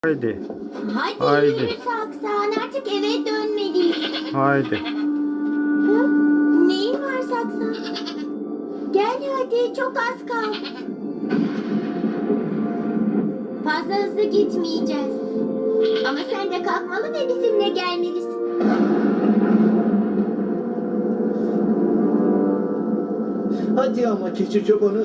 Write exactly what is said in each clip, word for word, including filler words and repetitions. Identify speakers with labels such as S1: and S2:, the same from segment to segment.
S1: Haydi.
S2: Hadi,
S1: Haydi.
S2: yürü Saksan, artık eve dönmeliyiz.
S1: Haydi.
S2: Hı? Neyin var Saksan? Gel hadi, çok az kaldı. Fazla hızlı gitmeyeceğiz. Ama sen de kalkmalı ve bizimle gelmelisin.
S3: Hadi ama keçi çobanı.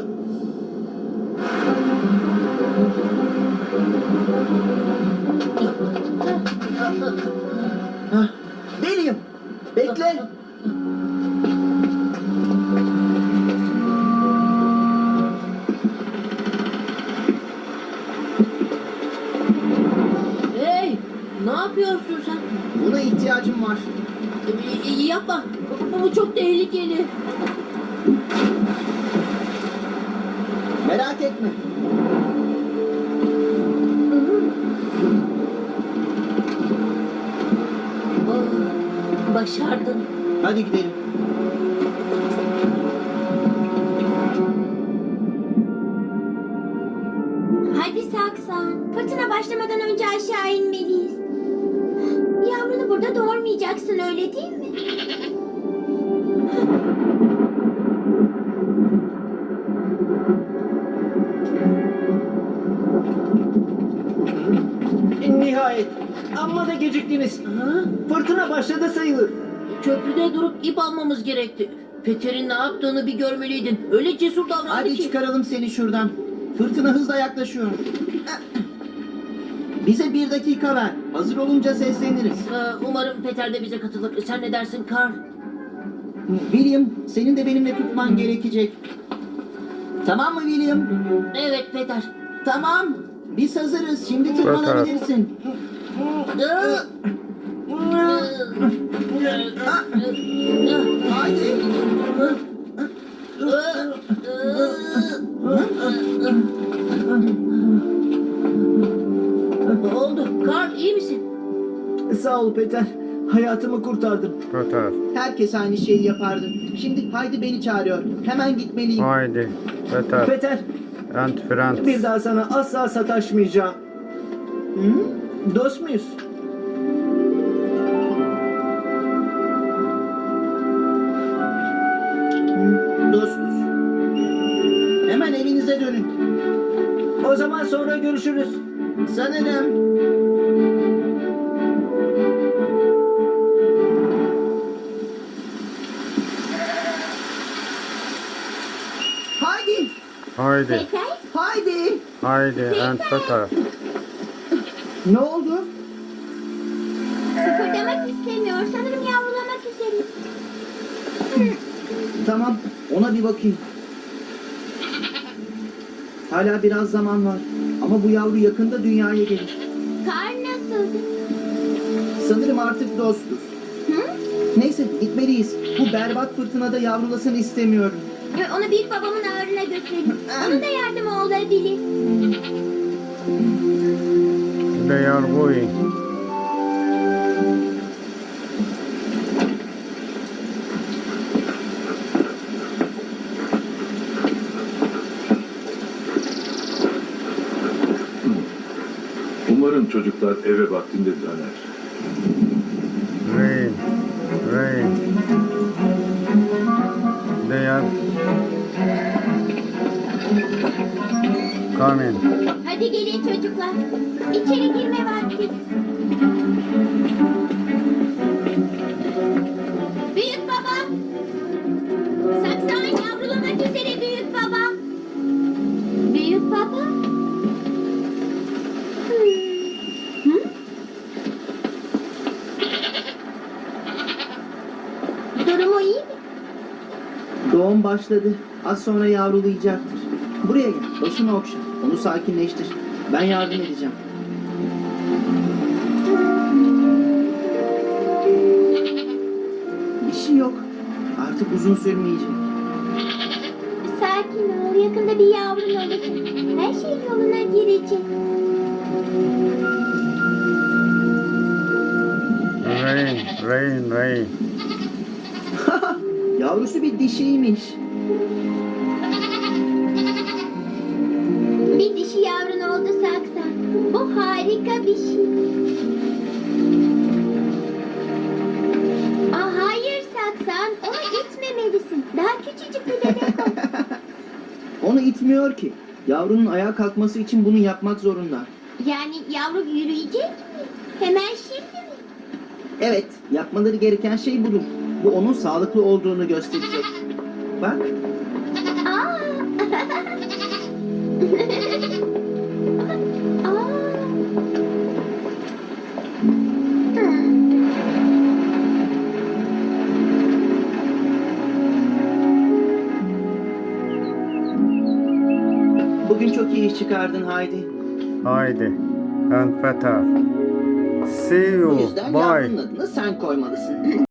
S3: Hah, Deliyim. Bekle.
S4: Hey, ne yapıyorsun sen?
S3: Buna ihtiyacım var.
S4: Ee, yapma. Bu, bu çok tehlikeli.
S3: Merak etme.
S4: Oh, başardın.
S3: Hadi gidelim.
S2: Hadi Saksan, fırtına başlamadan önce aşağı inmeliyiz. Yavrunu burada doğurmayacaksın, öyle değil mi?
S3: Nihayet. Amma da geciktiniz.
S4: Ha?
S3: Fırtına başladı sayılır.
S4: Köprüde durup ip almamız gerekti. Peter'in ne yaptığını bir görmeliydin. Öyle cesur davrandı
S3: Hadi
S4: ki.
S3: çıkaralım seni şuradan. Fırtına hızla yaklaşıyor. Bize bir dakika ver. Hazır olunca sesleniriz.
S4: Ee, umarım Peter de bize katılır. Sen ne dersin Carl?
S3: William, senin de benimle tutman gerekecek. Tamam mı William?
S4: Evet Peter.
S3: Tamam. Biz hazırız. Şimdi tırmanabilirsin.
S4: Ee,
S3: Haydi.
S4: Ne oldu? Carl iyi misin?
S3: Sağ ol Peter. Hayatımı kurtardın.
S1: Peter.
S3: Herkes aynı şeyi yapardı. Şimdi Haydi beni çağırıyor. Hemen gitmeliyim.
S1: Haydi. Peter.
S3: Peter,
S1: And friends.
S3: bir daha sana asla sataşmayacağım. Hı? Dost muyuz? Hı, dostuz. Hemen evinize dönün. O zaman sonra görüşürüz. Sanırım. Haydi.
S1: Haydi.
S2: Peter,
S3: Haydi.
S1: Haydi. And Peter.
S3: Ne oldu?
S2: kıpırdamak istemiyor. Sanırım yavrulamak üzere.
S3: Tamam, ona bir bakayım. Hala biraz zaman var. Ama bu yavru yakında dünyaya gelir.
S2: Kar nasıldı?
S3: Sanırım artık dostuz.
S2: Hı?
S3: Neyse, gitmeliyiz. Bu berbat fırtınada yavrulasın istemiyorum.
S2: Ve onu büyük babamın ağrına götürelim. Onun da yardımı olabilir.
S1: They are going.
S5: Umarım çocuklar eve vaktinde döner.
S1: Rain. Rain. They are coming.
S2: Hadi gelin çocuklar. İçeri girme vakti. Büyük baba. Saksan yavrulamak üzere büyük baba. Büyük baba. Hmm. Hı? Durumu iyi mi?
S3: Doğum başladı. Az sonra yavrulayacaktır. Buraya gel, başımı okşa. Onu sakinleştir. Ben yardım edeceğim. Bir şey yok. Artık uzun sürmeyecek.
S2: Sakin ol. Yakında bir yavrun olacak. Her şey yoluna girecek.
S1: Rain. Rain. Rain.
S3: Yavrusu bir dişiymiş.
S2: Bir dişi yavrun oldu Saksan. Bu harika. harika bir şey. Aa, hayır Saksan, onu itmemelisin. Daha küçücük bir bebek o.
S3: Onu itmiyor ki. Yavrunun ayağa kalkması için bunu yapmak zorunda.
S2: Yani yavru yürüyecek mi? Hemen şimdi mi?
S3: Evet, yapmaları gereken şey budur. Bu onun sağlıklı olduğunu gösterecek. Bak,
S2: Aa. Aa.
S3: bugün çok iyi iş çıkardın Haydi.
S1: Haydi. And Peter. See
S3: Bu
S1: you.
S3: yüzden
S1: Bye.
S3: yavrunun adını sen koymalısın.